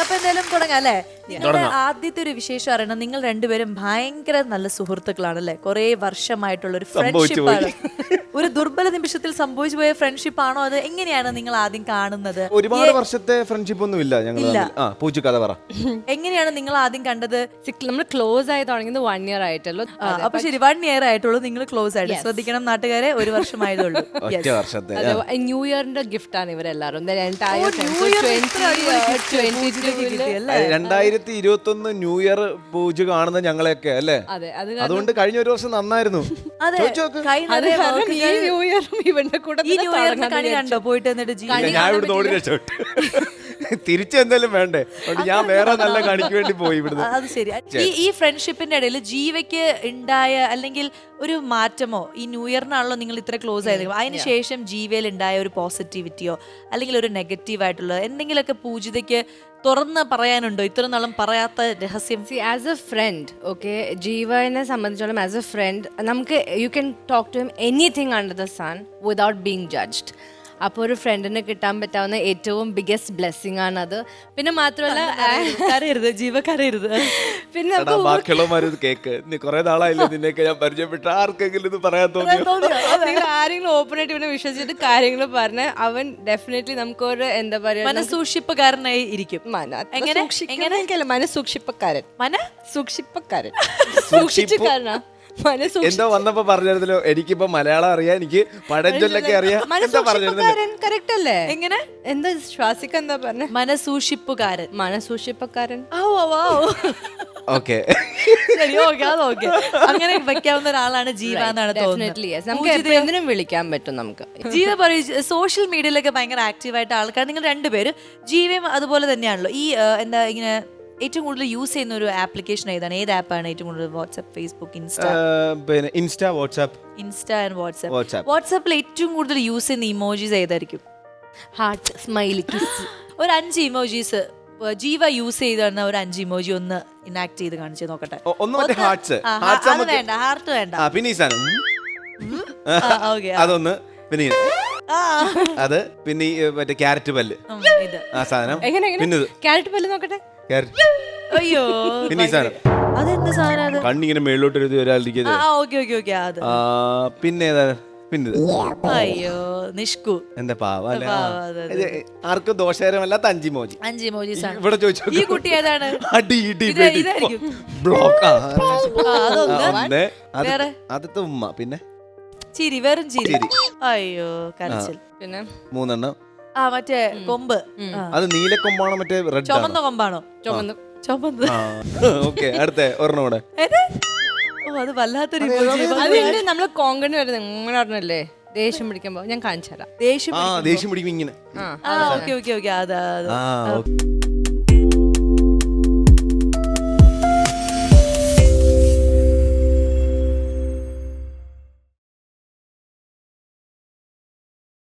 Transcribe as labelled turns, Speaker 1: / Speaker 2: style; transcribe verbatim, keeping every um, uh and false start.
Speaker 1: അപ്പൊ എന്തായാലും തുടങ്ങാം അല്ലേ? നിങ്ങളുടെ ആദ്യത്തെ ഒരു വിശേഷം അറിയണം. നിങ്ങൾ രണ്ടുപേരും ഭയങ്കര നല്ല സുഹൃത്തുക്കളാണല്ലേ? കുറെ വർഷമായിട്ടുള്ള ഒരു ഫ്രണ്ട്ഷിപ്പ് ആണ്. ഒരു ദുർബല നിമിഷത്തിൽ സംഭവിച്ചു പോയ ഫ്രണ്ട്ഷിപ്പ് ആണോ? അത് എങ്ങനെയാണ് നിങ്ങൾ ആദ്യം കാണുന്നത്?
Speaker 2: ഒരുപാട് വർഷത്തെ ഫ്രണ്ട്ഷിപ്പ് ഒന്നും ഇല്ല ഞങ്ങൾ. പൂച്ചു കഥ പറ.
Speaker 1: എങ്ങനെയാണ് നിങ്ങൾ ആദ്യം കണ്ടത്?
Speaker 3: നമ്മൾ ക്ലോസ് ആയി തുടങ്ങിയത് വൺ ഇയർ ആയിട്ടുള്ളൂ.
Speaker 1: അപ്പൊ ശരി, വൺ ഇയർ ആയിട്ടുള്ളൂ നിങ്ങൾ ക്ലോസ് ആയിട്ട്. ശ്രദ്ധിക്കണം നാട്ടുകാരെ, ഒരു വർഷമായതുള്ളൂ.
Speaker 2: ഒറ്റ വർഷത്തെ
Speaker 3: ന്യൂ ഇയറിന്റെ ഗിഫ്റ്റ് ആണ് ഇവരെല്ലാരും.
Speaker 2: രണ്ടായിരത്തി ഇരുപത്തി ഒന്ന് ന്യൂ ഇയർ പൂജ കാണുന്ന ഞങ്ങളെയൊക്കെ അല്ലേ? അതുകൊണ്ട് കഴിഞ്ഞ ഒരു വർഷം നന്നായിരുന്നു.
Speaker 3: ന്യൂ ഇയറും ഇവന്റെ കൂടെ
Speaker 1: കണ്ടോ പോയിട്ട്? എന്നിട്ട്
Speaker 2: ഞാൻ ഇവിടെ ഓടി രക്ഷപ്പെട്ടു. തിരിച്ചെന്തായാലും വേണ്ടേ, ഞാൻ വേറെ നല്ല കണിക്ക് വേണ്ടി പോയി ഇവിടുന്ന്.
Speaker 1: അത് ശരി. ഈ ഈ ഫ്രണ്ട്ഷിപ്പിന്റെ ഇടയിൽ ജീവയ്ക്ക് ഉണ്ടായ അല്ലെങ്കിൽ ഒരു മാറ്റമോ, ഈ ന്യൂ ഇയറിനാണല്ലോ നിങ്ങൾ ഇത്ര ക്ലോസ് ആയത്, അതിനുശേഷം ജീവയിൽ ഉണ്ടായ ഒരു പോസിറ്റിവിറ്റിയോ അല്ലെങ്കിൽ ഒരു നെഗറ്റീവ് ആയിട്ടുള്ള എന്തെങ്കിലുമൊക്കെ പൂജിതയ്ക്ക് തുറന്ന് പറയാനുണ്ടോ? ഇത്ര നാളും പറയാത്ത രഹസ്യം.
Speaker 3: See as a friend, okay, ജീവനെ സംബന്ധിച്ചോളം ആസ് എ ഫ്രണ്ട് നമുക്ക് you can talk to him anything under the sun without being judged. അപ്പോൾ ഒരു ഫ്രണ്ടിന് കിട്ടാൻ പറ്റാവുന്ന ഏറ്റവും ബിഗ്ഗസ്റ്റ് ബ്ലെസ്സിങ് ആണത്. പിന്നെ മാത്രമല്ല
Speaker 1: കരയരുത് ജീവ, കരയരുത്.
Speaker 3: പിന്നെ
Speaker 2: ബാക്കിയുള്ളവന്മാർ കേക്ക്, നീ കുറെ നാളായില്ലേ നിന്നെയൊക്കെ ഞാൻ പരിചയപ്പെട്ട, ആർക്കെങ്കിലും ഇത് പറയാൻ തോന്നിയോ?
Speaker 3: ആരെങ്കിലും ഓപ്പൺ ആയിട്ട് ഇവനെ വിശ്വസിച്ചിട്ട് കാര്യങ്ങൾ പറഞ്ഞ അവൻ ഡെഫിനറ്റ്ലി നമുക്കൊരു എന്താ പറയാ
Speaker 1: മനസൂക്ഷിപ്പുകാരനായി ഇരിക്കും.
Speaker 3: എങ്ങനെ എങ്ങനെ മനസൂക്ഷിപ്പക്കാരൻ മന സൂക്ഷിപ്പക്കാരൻ സൂക്ഷിച്ചുകാരനാ
Speaker 2: എന്തോ വന്നപ്പോ പറഞ്ഞിരുന്നല്ലോ, എനിക്കിപ്പോ മലയാളം അറിയാം, എനിക്ക് പഴഞ്ചൊല്ലൊക്കെ അറിയാം.
Speaker 3: കറക്റ്റ് അല്ലേ? എങ്ങനെ എന്താ ശ്വാസിക്ക എന്താ പറഞ്ഞ?
Speaker 1: മനസൂക്ഷിപ്പുകാരൻ
Speaker 3: മനസൂക്ഷിപ്പക്കാരൻ.
Speaker 2: ഓക്കെ
Speaker 1: ശരി, ഓക്കെ, അത് ഓക്കെ. അങ്ങനെ വെക്കാവുന്ന ഒരാളാണ് ജീവ എന്നാണ് തോന്നുന്നത്.
Speaker 3: നമുക്ക് എന്തിനും വിളിക്കാൻ പറ്റും. നമുക്ക്
Speaker 1: ജീവ പറയും സോഷ്യൽ മീഡിയയിലൊക്കെ ഭയങ്കര ആക്റ്റീവായിട്ട് ആൾക്കാർ, നിങ്ങൾ രണ്ടുപേരും ജീവയും അതുപോലെ തന്നെയാണല്ലോ. ഈ എന്താ ഇങ്ങനെ ഏറ്റവും കൂടുതൽ യൂസ് ചെയ്യുന്ന ഒരു ആപ്ലിക്കേഷൻ ഏതാണ്? ഏത് ആപ്പാണ് ഏറ്റവും കൂടുതൽ? WhatsApp, Facebook, insta?
Speaker 2: Insta, WhatsApp.
Speaker 1: Insta and WhatsApp. വാട്സ്ആപ്പിൽ ഏറ്റവും കൂടുതൽ യൂസ് ചെയ്യുന്ന ഇമോജീസ് ഏതായിരിക്കും?
Speaker 3: Heart, smiley, kiss.
Speaker 1: ഒരു അഞ്ച് ഇമോജീസ് ജീവ യൂസ് ചെയ്ത ഒരു അഞ്ച് ഇമോജി ഒന്ന് ഇനാക്ട് ചെയ്ത് കാണിച്ചു നോക്കട്ടെ. അത് വേണ്ട, ഹാർട്ട് വേണ്ട.
Speaker 2: അതൊന്ന് പിന്നെ അത് പിന്നെ മറ്റേ ക്യാരറ്റ് പല്ല്, ആ സാധനം. പിന്നെ
Speaker 3: ക്യാരറ്റ് പല്ല് നോക്കട്ടെ.
Speaker 1: അയ്യോ,
Speaker 2: പിന്നെ ഈ സാധനം
Speaker 1: അതെന്ത് സാധനം?
Speaker 2: കണ്ണിങ്ങനെ മേളിലോട്ട് എഴുതി ഒരാളിരിക്കുന്നത്. പിന്നെ ഏതാ? പിന്നെ
Speaker 1: അയ്യോ, നിഷ്കു.
Speaker 2: എന്താ പാവ, ആർക്കും ദോഷകരമല്ലാത്ത അഞ്ച് മോജി.
Speaker 1: അഞ്ച് മോജീസ്
Speaker 2: ഇവിടെ ചോദിച്ചു.
Speaker 1: ഈ കുട്ടി ഏതാണ്?
Speaker 2: അടി ഇടി ബ്ലോക്ക്. ആദ്യത്തെ ഉമ്മ, പിന്നെ
Speaker 1: ചിരി, വെറും ചിരി. അയ്യോ, കരച്ചിൽ. പിന്നെ മൂന്നെണ്ണം. ആ മറ്റേ കൊമ്പ്,
Speaker 2: അത് നീലക്കൊമ്പാണോ മറ്റേ റെഡ്
Speaker 1: ചുമന്ന കൊമ്പാണോ?
Speaker 3: ചുമന്ന്
Speaker 1: ചുമന്ന്.
Speaker 2: ഓക്കെ, അടുത്ത ഒരെണ്ണം കൂടെ.
Speaker 1: അത് വല്ലാത്തൊരു
Speaker 3: നമ്മള് കോങ്കണി വരുന്നത് ഇങ്ങനെ പറഞ്ഞല്ലേ, ദേഷ്യം പിടിക്കുമ്പോ ഞാൻ കാണിച്ചു തരാം.
Speaker 1: ദേഷ്യം
Speaker 2: ദേഷ്യം പിടിക്കും ഇങ്ങനെ.
Speaker 1: ഓക്കെ ഓക്കെ ഓക്കെ അതാ.